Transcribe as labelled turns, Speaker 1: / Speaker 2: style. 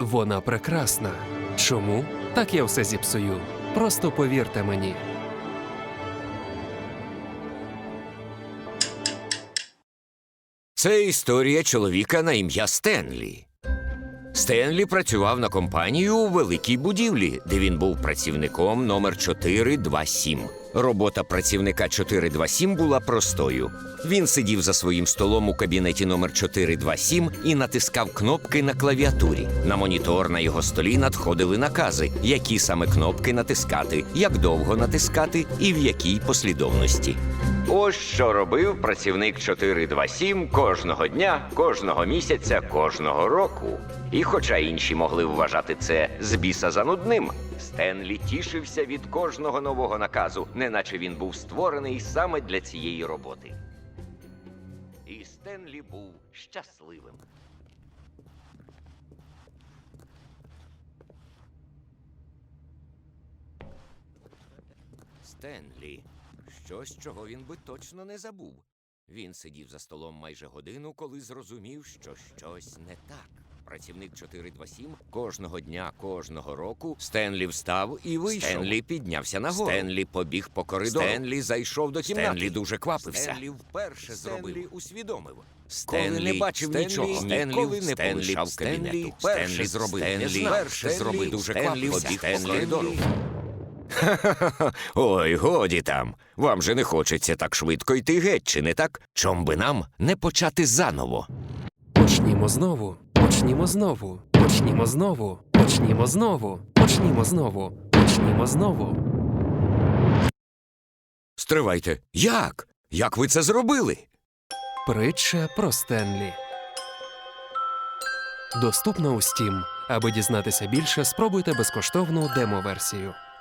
Speaker 1: Вона прекрасна. Чому? Так я все зіпсую. Просто повірте мені.
Speaker 2: Це історія чоловіка на ім'я Стенлі. Стенлі працював на компанію у великій будівлі, де він був працівником номер 427. Робота працівника 427 була простою. Він сидів за своїм столом у кабінеті номер 427 і натискав кнопки на клавіатурі. На монітор на його столі надходили накази, які саме кнопки натискати, як довго натискати і в якій послідовності. Ось що робив працівник 427 кожного дня, кожного місяця, кожного року. І хоча інші могли вважати це з біса занудним, Стенлі тішився від кожного нового наказу, неначе він був створений саме для цієї роботи. І Стенлі був щасливим. Стенлі. Щось, чого він би точно не забув. Він сидів за столом майже годину, коли зрозумів, що щось не так. Працівник 427 кожного дня, кожного року Стенлі встав і вийшов. Стенлі піднявся нагору. Стенлі побіг по коридору. Стенлі зайшов до кімнати. Стенлі дуже квапився. Стенлі вперше Стенлі усвідомив. Стенлі не бачив нічого. Стенлі не полишав кабінету. Стенлі зробив. Перше зробив. Дуже квапився. Побіг по коридору. Ой, годі там. Вам же не хочеться так швидко йти геть, чи не так? Чом би нам не почати заново?
Speaker 1: Почнімо знову. Почнімо знову. Почнімо знову. Почнімо знову. Почнімо знову. Почнімо знову.
Speaker 2: Стривайте. Як? Як ви це зробили?
Speaker 1: Притча про Стенлі. Доступна у Steam. Аби дізнатися більше, спробуйте безкоштовну демо-версію.